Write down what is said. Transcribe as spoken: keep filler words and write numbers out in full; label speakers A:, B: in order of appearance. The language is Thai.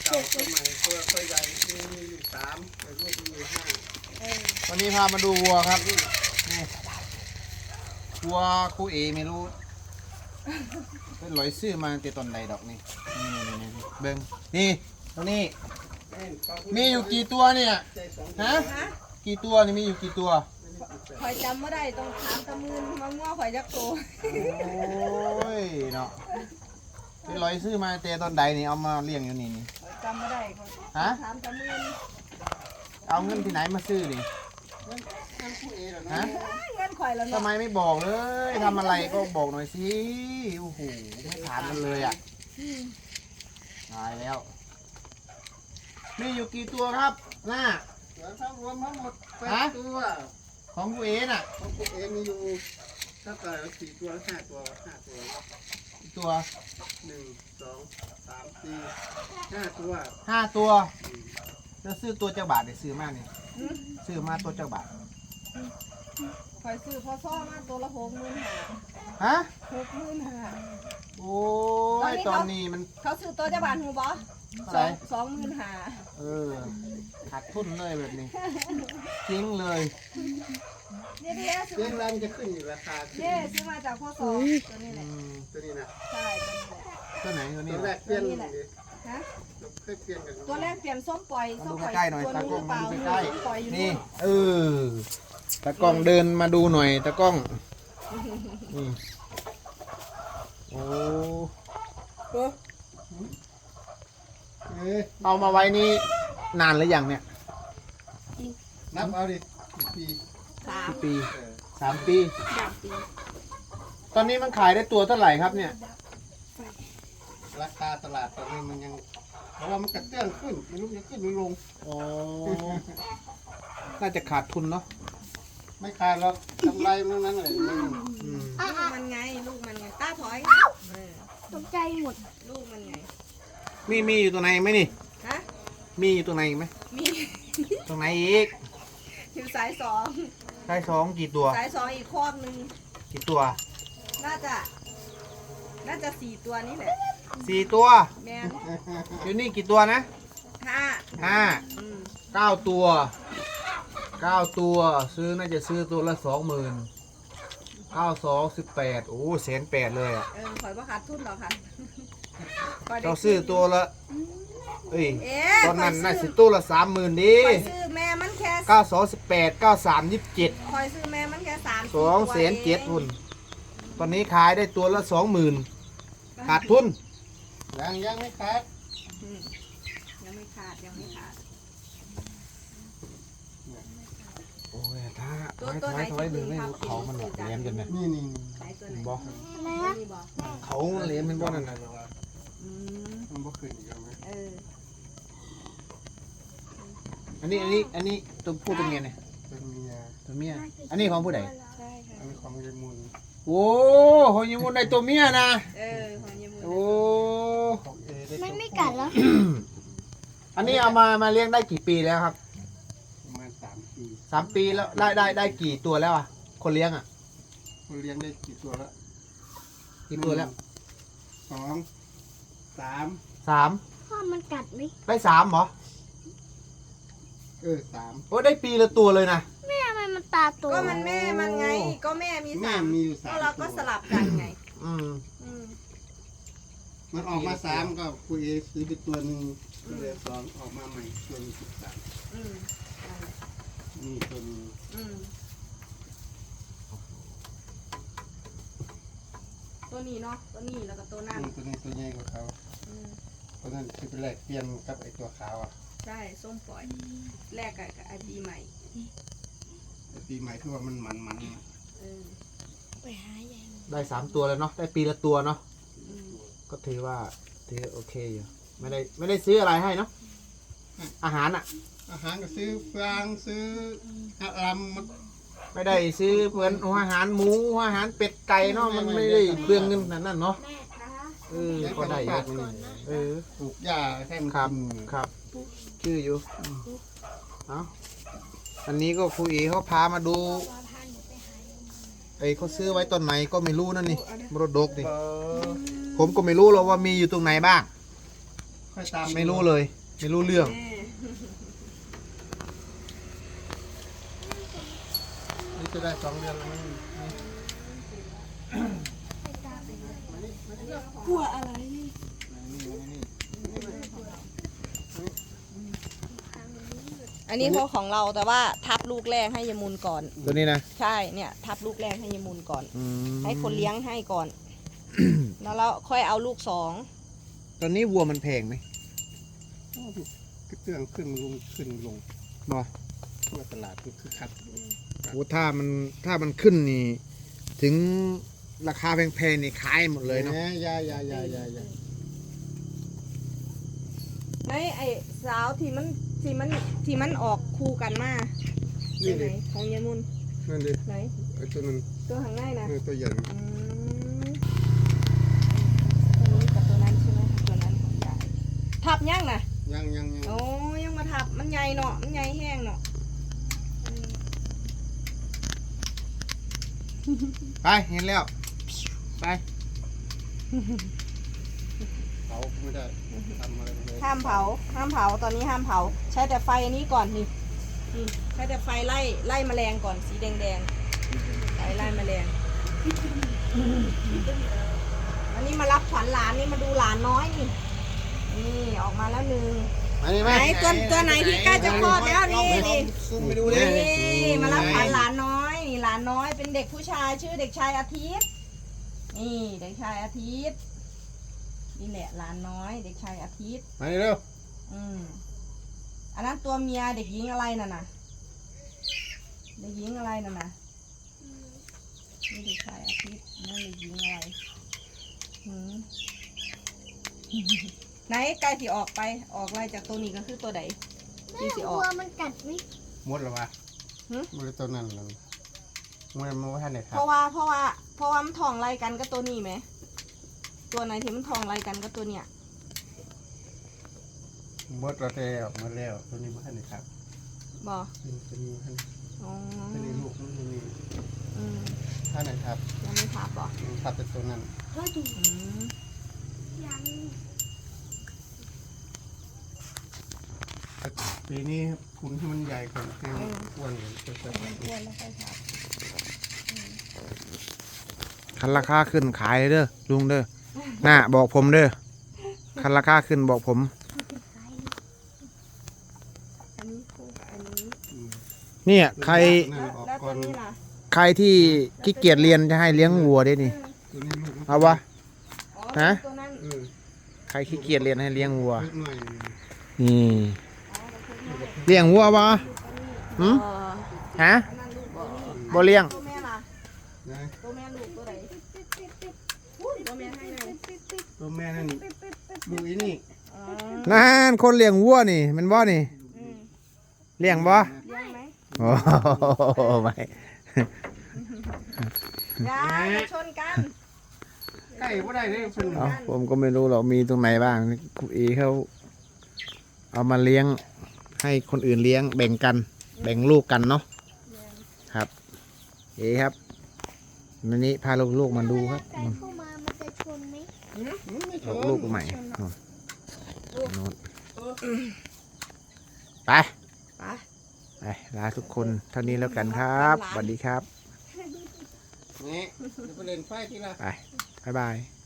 A: เก่าตัวใหม่ตัวตัวใหญ่มีอยู่สามแต่ลูกมีอยู่ห้า
B: วันนี้พามาดูวัวครับนี่วัวครูเอไม่รู้เป็นลอยซื้อมาแต่ตอนใดดอกนี่นี่นี่นี่เบิ้งนี่ตรงนี้มีอยู่กี่ตัวเนี่ยฮะกี่ตัวนี่มีอยู่กี่ตัว
C: ข่อยจำไม่ได้ต้องถามตะมืนมาง้อข่อยจักโต
B: โอ้ยเนาะเป็นลอยซื้อมาแต่ตอนใดนี่เอามาเลี้ยงอยู่นี่นี่
C: จำไม่ได้
B: ฮะ
C: ถามตะมืน
B: เอาเงินที่ไหนมาซื้อนี่ฮะ
C: เงินข่อยแล้วเนาะ
B: ทำไมไม่บอกเลยทำอะไรก็บอกหน่อยสิโอ้โหไม่ถามกันเลยอ่ะตายแล้วมีอยู่กี่ตัวครับหน้า
A: ทั้งรวมทั้งหมดแปดตัว
B: ของกูเอน่ะ
A: ของกูเอมีอยู่ถ้าเกิดสี่ตัวห้าตัวห้าตัว
B: ตัว
A: หนึ่งสองสามสี่ห้าตัว
B: ห้าตัวจะซื้อตัวเจ้าบาทได้ซื้อมากนี่ซื้อมาตัวเจ้าบาท
C: ข่อยซื้อพอซ้อมาตัวละหกหมื่นห้า
B: ฮะ
C: หกหมื่นห้า
B: โอ้ยตอนนี้มัน
C: เขาซื้อตัวเจ้าบาทหูบอสองสองหมื่นห้า
B: เออขาดทุนเลยแบบนี้ทิ้งเลย
C: เนี่ยเนี่ย
A: เรื่องแรงจะขึ้นอยู่ราคา
C: เนี่ยซื้อมาจากพ่อสองตัวนี้แหละ
A: ตัวนี้นะ
C: ใช่ตัวนี้แหละ
B: ตัวไหนตัวนี้
A: ตัวแรกเปลี่ยน
C: ฮะ
A: เคยเปลี่ยนกัน
C: ตัวแรกเปลี่ยนส้มปล่อยส้มปล่อย
B: ใกล้หน่อยตากล้องมาดูใกล้
C: นี่
B: เออตากล้องเดินมาดูหน่อยตากล้องนี่โอ้เอามาไว้นี่นานหรือยังเนี่ย
A: นับเอาดิปี
C: สาม
B: ปีสามปี
C: สามปี
B: ตอนนี้มันขายได้ตัวเท่าไหร่ครับเนี่ย
A: ราคาตลาดตอนนี้มันยังเพราะว่ามันกระเตื้องขึ้นไม่รู้จะขึ้นหรือลง
B: อ๋อน่าจะขาดทุนเนาะ
A: ไม่ขาดหรอกกำไรมันนั้นเลย
C: ลูกมันไงลูกมันไงตาถอย
D: ตกใจหมด
C: ลูกมันไง
B: มีมีอยู่ตัวไหนไหมนี่
C: ฮะ
B: มีอยู่ตัวไหนไหม
C: มี
B: ตรงไหนอีก
C: อยู่สายสอง
B: สายสองกี่ตัว
C: สายสองอีกคอกหนึ่ง
B: กี่ตัว
C: น่าจะน่าจะสี่ตัวนี่แหละ
B: สี่ตัว
C: แม่
B: อยู่นี่กี่ตัวนะ
C: ห้า
B: ห้าเก้าตัวเก้าตัวซื้อน่าจะซื้อตัวละสองหมื่นเก้าสองสิบแปดโอ้แสนแปดเลยอ่ะ
C: เออข่อยว่าขาดทุนหรอคะ
B: เราซื้อตัวละเอ้ยตอนนั้นน่าซื้อตัวละสามหมื่นดิ
C: ข่อยซื้อแม่มันแค่
B: เก้าสองสิบแปดเก้าสามยี่สิบเจ็ด
C: ข่อยซื้อแม่มันแค่สาม
B: สองแสนเจ็ดทุนตอนนี้ขายได้ตัวละสองหมื่นขาดทุน
A: ยังยังไม่ขาด
C: ยังไม่ขาดยังไม่ขาด
B: โอ้ยถ้าถอยถอยถอยดึงให้เขามันแบบเลี้ยงกันเนี่ย
A: นี่นี่
B: บอกเขาเลี้ยงเป็นบ่อนั่นน่ะ
A: มันบ่ขึ้นอีกแล้วไหม
B: อันนี้อันนี้อันนี้ตัวผู้ตัวเมียเนี่ย
A: เป็นเมีย
B: ตัวเมียอันนี้ของผู้ใด
C: ใช่ค่ะ
A: อันนี้ของยายมุน
B: โอ้ของยายมุนได้ตัวเมียนะ
C: เออของยายมุน
B: โอ้
D: มันไม่กัดแล้ว
B: อันนี้เอามามาเลี้ยงได้กี่ปีแล้วครับ
A: ประมาณสามปี
B: สามปีแล้วได้ได้ได้กี่ตัวแล้วอ่ะคนเลี้ยงอ่ะ
A: คนเลี้ยงได้กี่ตัวแล้ว
B: กี่ตัวแล้ว
A: สองสาม
B: สาม
D: พ่อมันกัดไหม
B: ได้สามเหรอ
A: เออสาม
B: โอ้ได้ปีละตัวเลยนะ
D: แม่ทำไมมันตาโต
C: ก็มันแม่มันไงก็แม่มีสาม
A: มีอยู่สาม
C: ก็เราก็สลับกันไง
B: อืม
A: มันออกมาสามก็คุยซื้อไปตัวหนึ่งเหลือสองออกมาใหม่ตัวนึงสิบสามนี่ตัวนึง
C: ตัวนี้เนาะตัวนี้แล้วก็ตัวนั้น
A: ตัวนี้ตัวใหญ่กว่าเขาตัวนั้นคือเป็นแรกเปลี่ยนกับไอตัวขาวอ่ะ
C: ใช่ส้มปล่อยแรกกับไอปีใหม่
A: ไอปีใหม่ที่ว่ามันมันมัน
B: ได้สามตัวแล้วเนาะได้ปีละตัวเนาะก็ถือว่าถือโอเคอยู่ไม่ได้ไม่ได้ซื้ออะไรให้เนาะอาหารอ่ะ
A: อาหารก็ซื้อฟางซื้ออะไรมัน
B: ไม่ได้ซื้อเหมือนอาหารหมูอาหารเป็ดไก่เนาะมันไม่ได้เปลืองเงินนั่นเนาะเออก็ได้เยอะเออ
A: ปลูกหญ้าให้มัน
B: ครับครับชื่ออยู่เอาอันนี้ก็ครูเอเขาพามาดูไอ้เขาซื้อไว้ตอนไหนก็ไม่รู้นั่นนี่มรดกนี่ผมก็ไม่รู้หรอกว่ามีอยู่ตรงไหนบ้าง
A: ค่อยตาม
B: ไม่รู้เลย ไม่รู้เรื่อง
A: นี่จะได้สองเดือนแล้วมั้ง
C: กลัวอะไร อันนี้พอของเราแต่ว่าทับลูกแรกให้ยายมูลก่อน
B: ตัวนี้นะ
C: ใช่เนี่ยทับลูกแรกให้ยายมูลก่อน
B: อืม
C: ให้คนเลี้ยงให้ก่อน แล้วเราค่อยเอาลูกสอง
B: ตอนนี้วัวมันแพงไหม
A: กระเตื้องขึ้นลงขึ้นลง
B: บอ
A: ทั่วตลาดมันคือคัก
B: โอ้ถ้ามันถ้ามันขึ้นนี่ ถึงราคาแพงๆนี่ขายหมดเลยเนาะ
A: แหมยายายายายา
C: ไอ้ไอ้สาวที่มันที่มันที่มันออกคู่กันมา
A: นี่
C: ไหน
A: ดิ
C: ของยายมูล
A: นั่นดิ
C: ไหน
A: ไอ้ตัวนั้น
C: ตัวข้างในนะ
A: เออตัวใหญ่
C: อืมตัวนี้กับตัวนั้นใช่ไหมตัวนั้นของยายทับยังนะ
A: ยังยังยัง
C: โอ้ยังมาทับมันใหญ่เนาะมันใหญ่แห้งเนาะอืม
B: ไปเห็นแล้ว ไป
A: เผาไม่ได้ทำอะไรไม่ได้
C: ห้ามเผาห้ามเผาตอนนี้ห้ามเผา ใช้แต่ไฟอันนี้ก่อนนี่นี่ใช้แต่ไฟไล่ไล่แมลงก่อนสีแดงแดงๆไฟไล่แมลงอันนี้มารับขวัญหลานนี่มาดูหลานน้อยนี่นี่ออกมาแล้วหนึ่ง
A: มานี่
C: ไห
A: มาน
C: ตัวตัวไหนที่ใกล้จะคลอดแล้วนี่นี่
B: ซูมไปดูดิ
C: นี่มารับขวัญหลานน้อยนี่หลานน้อยเป็นเด็กผู้ชายชื่อเด็กชายอาทิตย์นี่เด็กชายอาทิตย์นี่แหละหลานน้อย เด็กชายอาทิตย์
A: มานี่เร็ว
C: อืมอันนั้นตัวเมียเด็กหญิงอะไรน่ะนะเด็กหญิงอะไรน่ะนะนี่เด็กชายอาทิตย์นั่นเด็กหญิงอะไรหืม ไหนใกล้ที่ออกไปออกไล่จากตัวนี้ก็คือตัวใด
D: แม่
C: ที่สิออก
D: วัวมันกัดไหม
A: หมดแล้ววะ
C: หึ
A: หมดแล้วตัวนั้นแล้วมันมันว่าท่านไหนครั
C: เพ
A: บ
C: ราะว่าเพราะว่าเพราะว่ามันทองไล่กันก็ตัวนี้ไหมตัวไหนที่มันทองไล่กันก็ตัวเนี้ย
A: หมดแล้วแต่ออกมาแล้วตัวนี้ว่าท่านไหนครับ
C: บอ
A: ตัวนี้ท่าน
C: อ๋อ
A: ตัวนี้ลูกมันตัวนี้
C: อืม
A: ท่านไหนครับ
C: ยังไม่ทับเหรอ
A: ทับเป็นตัวนั้น
D: ก็ดู
C: อืม
D: ยัง
A: ปีนี้คุณที่มันใหญ่กว่าแห้งอ้วนกว่าจะจะ
C: มันอ้วนแล้วค่อยทับ
B: คันราคาขึ้นขายเลยเด้อลุงเด้อน่าบอกผมเด้อคันราคาขึ้นบอกผม
C: อันนี้คู่กับอันนี้
B: เนี่ยใคร
A: นั่น
C: แล้ว
A: ออก
C: แล้ว
A: ก่
C: ตั
A: อ
C: วน นี้ล่ะ
B: ใครที่ขี้เกียจเรียนจะให้เลี้ยงวัวได้นี่
A: ตัวนี้ลูกมัน
B: เอาวะ
C: อ๋อ
B: ฮะ
C: ตัวนั้น
A: เออ
B: ใครขี้เกียจเรียนให้เลี้ยงวัว
A: เล็กหน่อย
B: นี่
C: อ๋อตัวนี้
B: เลี้ยงวัวปะหืม
C: เออ
B: ฮะ
C: อันนั้นลูกตัวนี้
B: บ่เลี้ยง
C: ตัวแม่ล่ะ
A: นะ
C: ตัวแม่ลูกตัวไหนตัวแม่ให้ไหน
A: ตัวแม่นั่นดูอีนี่
C: อ๋อ
B: นั่นคนเลี้ยงวัวนี่มันบ่นี่
C: อืม
B: เลี้ยงบ่
C: เลี้ยงไหม
B: โอ้โหไม่
C: อย่าอย่าชนกัน
A: ใกล้ว่าได้เลยเพิ่น
B: เอาผมก็ไม่รู้หรอกมีตรงไหนบ้างครูเอเขาเอามาเลี้ยงให้คนอื่นเลี้ยงแบ่งกัน แบ่งลูกกันเนาะครับ เอครับวันนี้พาลูกๆมาดูครับ
D: ไก่เข้ามามันจะชนไหม
A: ไม่ช
B: ลูก
A: น
B: ลูกใหม่นู่นนู่นไป
C: ไป
B: ไปลาทุกคนเท่านี้แล้วกันครับสวัสดีครับ
A: นี่เดี๋ยวไปเล่นไฟที่ละ
B: ไปบ๊ายบาย